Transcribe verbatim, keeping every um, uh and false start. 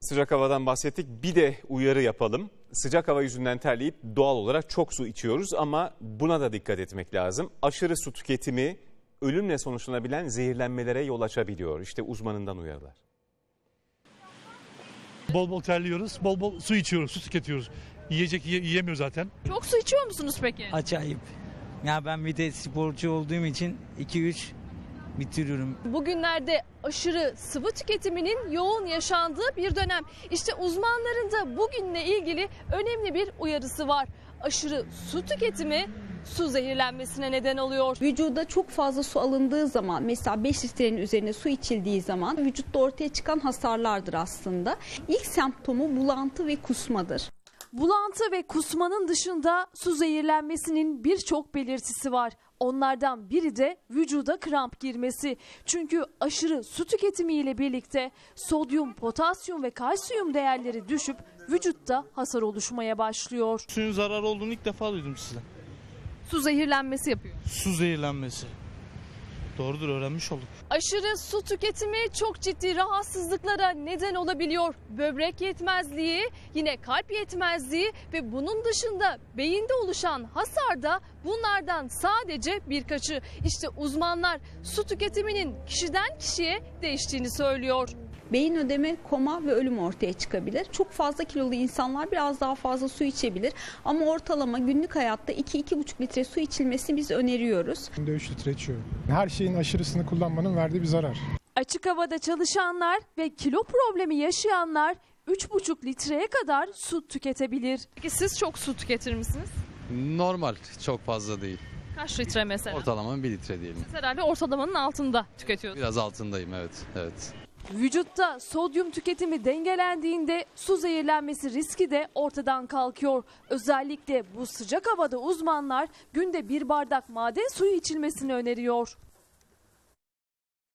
Sıcak havadan bahsettik. Bir de uyarı yapalım. Sıcak hava yüzünden terleyip doğal olarak çok su içiyoruz ama buna da dikkat etmek lazım. Aşırı su tüketimi ölümle sonuçlanabilen zehirlenmelere yol açabiliyor. İşte uzmanından uyarılar. Bol bol terliyoruz, bol bol su içiyoruz, su tüketiyoruz. Yiyecek yiye, yiyemiyor zaten. Çok su içiyor musunuz peki? Acayip. Ya ben bir de sporcu olduğum için iki üç bitiriyorum. Bugünlerde aşırı sıvı tüketiminin yoğun yaşandığı bir dönem. İşte uzmanların da bugünle ilgili önemli bir uyarısı var. Aşırı su tüketimi su zehirlenmesine neden oluyor. Vücuda çok fazla su alındığı zaman, mesela beş litrenin üzerine su içildiği zaman vücutta ortaya çıkan hasarlardır aslında. İlk semptomu bulantı ve kusmadır. Bulantı ve kusmanın dışında su zehirlenmesinin birçok belirtisi var. Onlardan biri de vücuda kramp girmesi. Çünkü aşırı su tüketimiyle birlikte sodyum, potasyum ve kalsiyum değerleri düşüp vücutta hasar oluşmaya başlıyor. Suyun zararı olduğunu ilk defa duydum sizden. Su zehirlenmesi yapıyor. Su zehirlenmesi. Doğrudur, öğrenmiş olduk. Aşırı su tüketimi çok ciddi rahatsızlıklara neden olabiliyor. Böbrek yetmezliği, yine kalp yetmezliği ve bunun dışında beyinde oluşan hasar da bunlardan sadece birkaçı. İşte uzmanlar su tüketiminin kişiden kişiye değiştiğini söylüyor. Beyin ödemi, koma ve ölüm ortaya çıkabilir. Çok fazla kilolu insanlar biraz daha fazla su içebilir. Ama ortalama günlük hayatta iki iki buçuk litre su içilmesini biz öneriyoruz. Günde üç litre içiyorum. Her şeyin aşırısını kullanmanın verdiği bir zarar. Açık havada çalışanlar ve kilo problemi yaşayanlar üç buçuk litreye kadar su tüketebilir. Peki siz çok su tüketir misiniz? Normal, çok fazla değil. Kaç litre mesela? Ortalama bir litre diyelim. Siz herhalde ortalamanın altında tüketiyorsunuz. Biraz altındayım, evet, evet. Vücutta sodyum tüketimi dengelendiğinde su zehirlenmesi riski de ortadan kalkıyor. Özellikle bu sıcak havada uzmanlar günde bir bardak maden suyu içilmesini öneriyor.